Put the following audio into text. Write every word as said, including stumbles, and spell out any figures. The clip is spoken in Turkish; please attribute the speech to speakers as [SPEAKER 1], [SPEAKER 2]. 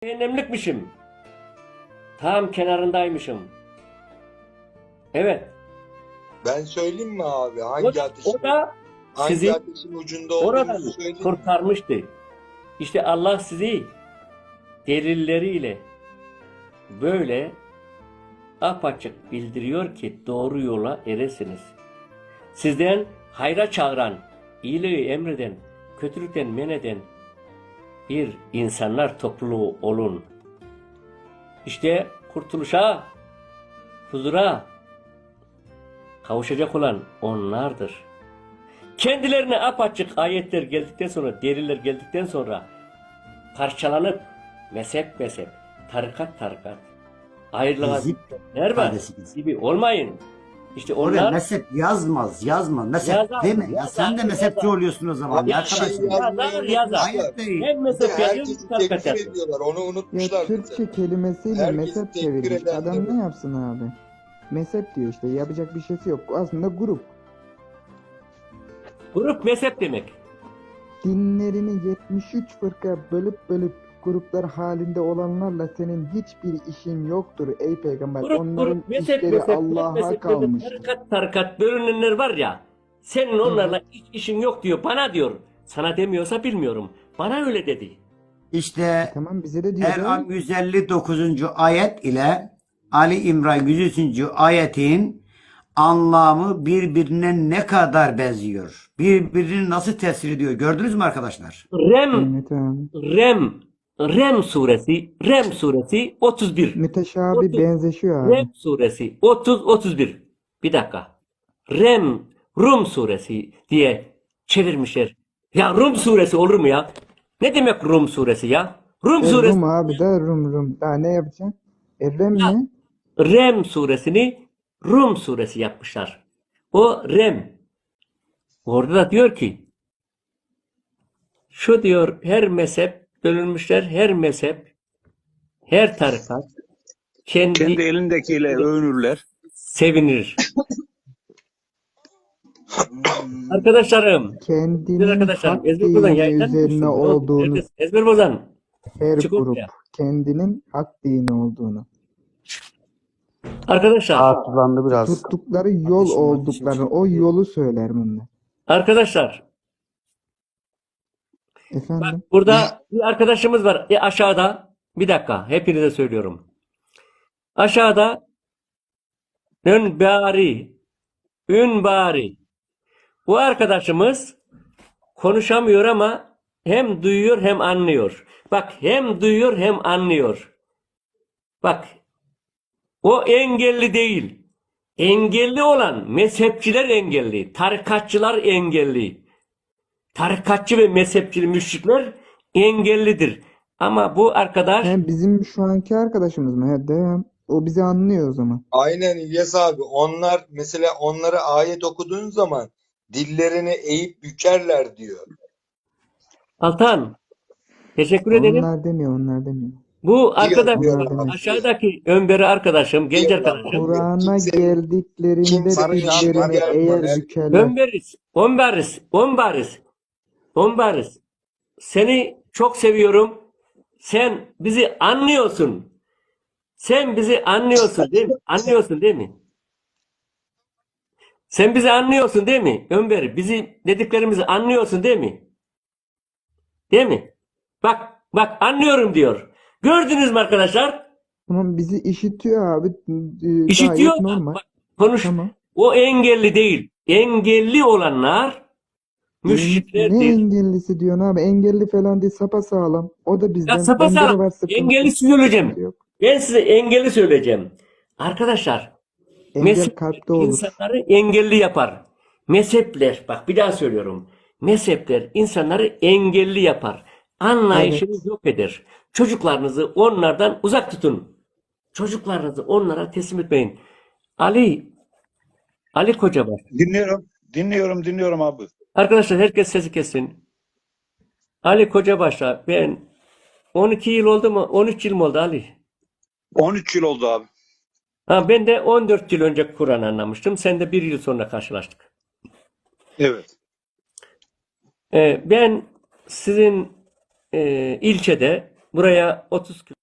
[SPEAKER 1] Cehennemlikmişim. Tam kenarındaymışım. Evet.
[SPEAKER 2] Ben söyleyeyim mi abi?
[SPEAKER 1] O,
[SPEAKER 2] Hangi ateşin,
[SPEAKER 1] o da
[SPEAKER 2] hangi
[SPEAKER 1] sizi
[SPEAKER 2] ateşin ucunda
[SPEAKER 1] oradan
[SPEAKER 2] olduğunuzu söyleyeyim mi?
[SPEAKER 1] kurtarmıştı. İşte Allah sizi delilleriyle böyle apaçık bildiriyor ki doğru yola eresiniz. Sizden hayra çağıran, iyiliği emreden, kötülükten men eden bir insanlar topluluğu olun. İşte kurtuluşa, huzura kavuşacak olan onlardır. Kendilerine apaçık ayetler geldikten sonra, deliller geldikten sonra parçalanıp mezhep mezhep, tarikat tarikat ayrılığa
[SPEAKER 3] Hizip
[SPEAKER 1] var
[SPEAKER 3] ifadesi gibi.
[SPEAKER 1] gibi olmayın. İşte
[SPEAKER 3] Oraya
[SPEAKER 1] onlar
[SPEAKER 3] mezhep yazmaz, yazma. Mezhep
[SPEAKER 1] Yazar,
[SPEAKER 3] deme ya.
[SPEAKER 1] yazar,
[SPEAKER 3] Sen de mezhepçi
[SPEAKER 1] yazar.
[SPEAKER 3] oluyorsun o zaman
[SPEAKER 2] Abi
[SPEAKER 3] ya
[SPEAKER 2] bir şey
[SPEAKER 3] arkadaşım.
[SPEAKER 1] Yazar,
[SPEAKER 2] yazmayı
[SPEAKER 1] yazar.
[SPEAKER 2] unutmuşlar.
[SPEAKER 3] Ayet değil.
[SPEAKER 1] hem mezhep yazıyor hem
[SPEAKER 2] Herkesi
[SPEAKER 1] tarikat
[SPEAKER 2] tekfir
[SPEAKER 1] yazıyor.
[SPEAKER 2] ediyorlar. Onu
[SPEAKER 4] Ya
[SPEAKER 2] unutmuşlar bize.
[SPEAKER 4] Türkçe kelimesiyle
[SPEAKER 2] Herkesi
[SPEAKER 4] mezhep
[SPEAKER 2] tekfir
[SPEAKER 4] çevirmiş.
[SPEAKER 2] eden
[SPEAKER 4] Adam
[SPEAKER 2] de
[SPEAKER 4] ne yapsın abi? Mezhep diyor işte. Yapacak bir şeysi yok. Aslında grup.
[SPEAKER 1] Grup mezhep demek.
[SPEAKER 4] Dinlerini yetmiş üç fırka bölüp bölüp gruplar halinde olanlarla senin hiçbir işin yoktur ey peygamber.
[SPEAKER 1] Grup
[SPEAKER 4] Onların
[SPEAKER 1] grup mezhep
[SPEAKER 4] işleri
[SPEAKER 1] mezhep
[SPEAKER 4] Allah'a
[SPEAKER 1] mezhep
[SPEAKER 4] kalmış.
[SPEAKER 1] tarikat tarikat bölünenler var ya, senin onlarla hiç işin yok diyor, bana diyor. Sana demiyorsa bilmiyorum. Bana öyle dedi.
[SPEAKER 3] İşte
[SPEAKER 4] Tamam bize de diyor.
[SPEAKER 3] En'am yüz elli dokuzuncu ayet ile Ali İmran yüz üçüncü ayetin anlamı birbirine ne kadar benziyor? Birbirini nasıl tesir ediyor? Gördünüz mü arkadaşlar?
[SPEAKER 1] Rem
[SPEAKER 4] Evet abi.
[SPEAKER 1] Rem Rem suresi Rem suresi otuz bir.
[SPEAKER 4] Müteşabi
[SPEAKER 1] otuz
[SPEAKER 4] benzeşiyor abi.
[SPEAKER 1] Rem suresi otuz otuz bir. Bir dakika. Rem Rum suresi diye çevirmişler. Ya Rum suresi olur mu ya? Ne demek Rum suresi ya? Rum
[SPEAKER 4] E,
[SPEAKER 1] suresi.
[SPEAKER 4] Rum abi da Rum Rum. Daha ne yapacaksın? E, Rem
[SPEAKER 1] Ya,
[SPEAKER 4] ne?
[SPEAKER 1] Rem suresini Rum suresi yapmışlar. O Rem. Orada da diyor ki şu diyor, her mezhep bölünmüşler, her mezhep, her tarikat kendi,
[SPEAKER 5] Kendi elindekiyle övünürler.
[SPEAKER 1] sevinir. Arkadaşlarım, güzel
[SPEAKER 4] Kendinin
[SPEAKER 1] arkadaşlarım,
[SPEAKER 4] hak
[SPEAKER 1] ezber bozan
[SPEAKER 4] dini
[SPEAKER 1] yayından
[SPEAKER 4] üzerine
[SPEAKER 1] düştüm.
[SPEAKER 4] olduğunu
[SPEAKER 1] Neredesin? Ezber bozan.
[SPEAKER 4] her
[SPEAKER 1] Çık
[SPEAKER 4] grup
[SPEAKER 1] ortaya.
[SPEAKER 4] kendinin hak dini olduğunu,
[SPEAKER 1] Arkadaşlar,
[SPEAKER 6] Rahatsızlandı biraz.
[SPEAKER 4] tuttukları yol
[SPEAKER 3] Ateşim,
[SPEAKER 4] olduklarını, o yolu söyler bunlar.
[SPEAKER 1] arkadaşlar,
[SPEAKER 4] Efendim?
[SPEAKER 1] burada bir arkadaşımız var. E, aşağıda, bir dakika, hepinize söylüyorum. Aşağıda Ünbari, Ünbari. Bu arkadaşımız konuşamıyor ama hem duyuyor hem anlıyor. Bak, hem duyuyor hem anlıyor. Bak, o engelli değil. Engelli olan mezhepçiler engelli, tarikatçılar engelli. Tarikatçı ve mezhepçi müşrikler engellidir. Ama bu arkadaş
[SPEAKER 4] Hem bizim şu anki arkadaşımız mı? He, devam. O bizi anlıyor o zaman.
[SPEAKER 2] Aynen İlyas abi. Onlar mesela onlara ayet okuduğun zaman dillerini eğip bükerler diyor.
[SPEAKER 1] Altan, teşekkür ederim.
[SPEAKER 4] Onlar demiyor, onlar demiyor.
[SPEAKER 1] Bu arkadaş,
[SPEAKER 2] diyor,
[SPEAKER 4] Onlar demek.
[SPEAKER 1] aşağıdaki Ömer'i arkadaşım, genç
[SPEAKER 2] Diyor.
[SPEAKER 1] arkadaşım.
[SPEAKER 4] Kur'an'a
[SPEAKER 2] Kimse-
[SPEAKER 4] geldiklerinde
[SPEAKER 2] kimse
[SPEAKER 4] dillerini
[SPEAKER 2] inanmıyor.
[SPEAKER 4] eğer bükerler.
[SPEAKER 1] Ömer'iz, Ömer'iz, Ömer'iz, Ömer'iz. Seni çok seviyorum. Sen bizi anlıyorsun. Sen bizi anlıyorsun değil mi? Anlıyorsun değil mi? Sen bizi anlıyorsun değil mi? Ömer, bizi dediklerimizi anlıyorsun değil mi? Değil mi? Bak, bak anlıyorum diyor. Gördünüz mü arkadaşlar?
[SPEAKER 4] Tamam bizi işitiyor abi. Ee,
[SPEAKER 1] İşitiyor
[SPEAKER 4] Gayet
[SPEAKER 1] da,
[SPEAKER 4] normal.
[SPEAKER 1] bak, konuş.
[SPEAKER 4] Tamam.
[SPEAKER 1] O engelli değil. Engelli olanlar
[SPEAKER 4] Ne
[SPEAKER 1] müşriklerdir.
[SPEAKER 4] engellisi diyorsun abi? Engelli falan değil, sapasağlam. O da bizden.
[SPEAKER 1] Ya
[SPEAKER 4] Bende de
[SPEAKER 1] sapasağlam.
[SPEAKER 4] var sıkıntı.
[SPEAKER 1] Engelli söyleyeceğim.
[SPEAKER 4] Sıkıntı yok.
[SPEAKER 1] Ben size engelli söyleyeceğim. Arkadaşlar,
[SPEAKER 4] Engel
[SPEAKER 1] mezhep
[SPEAKER 4] kalpte olur.
[SPEAKER 1] insanları engelli yapar. Mezhepler, bak bir daha söylüyorum. Mezhepler insanları engelli yapar. Anlayışını
[SPEAKER 4] Evet.
[SPEAKER 1] yok eder. Çocuklarınızı onlardan uzak tutun. Çocuklarınızı onlara teslim etmeyin. Ali, Ali Kocabaş.
[SPEAKER 5] Dinliyorum. Dinliyorum, dinliyorum abi.
[SPEAKER 1] Arkadaşlar herkes sesi kessin. Ali Kocabaş'a ben on iki yıl oldu mu? on üç yıl mı oldu Ali?
[SPEAKER 5] on üç yıl oldu abi.
[SPEAKER 1] Ha, ben de on dört yıl önce Kur'an anlamıştım. Sen de bir yıl sonra karşılaştık.
[SPEAKER 5] Evet.
[SPEAKER 1] Ee, ben sizin e, ilçede Buraya otuz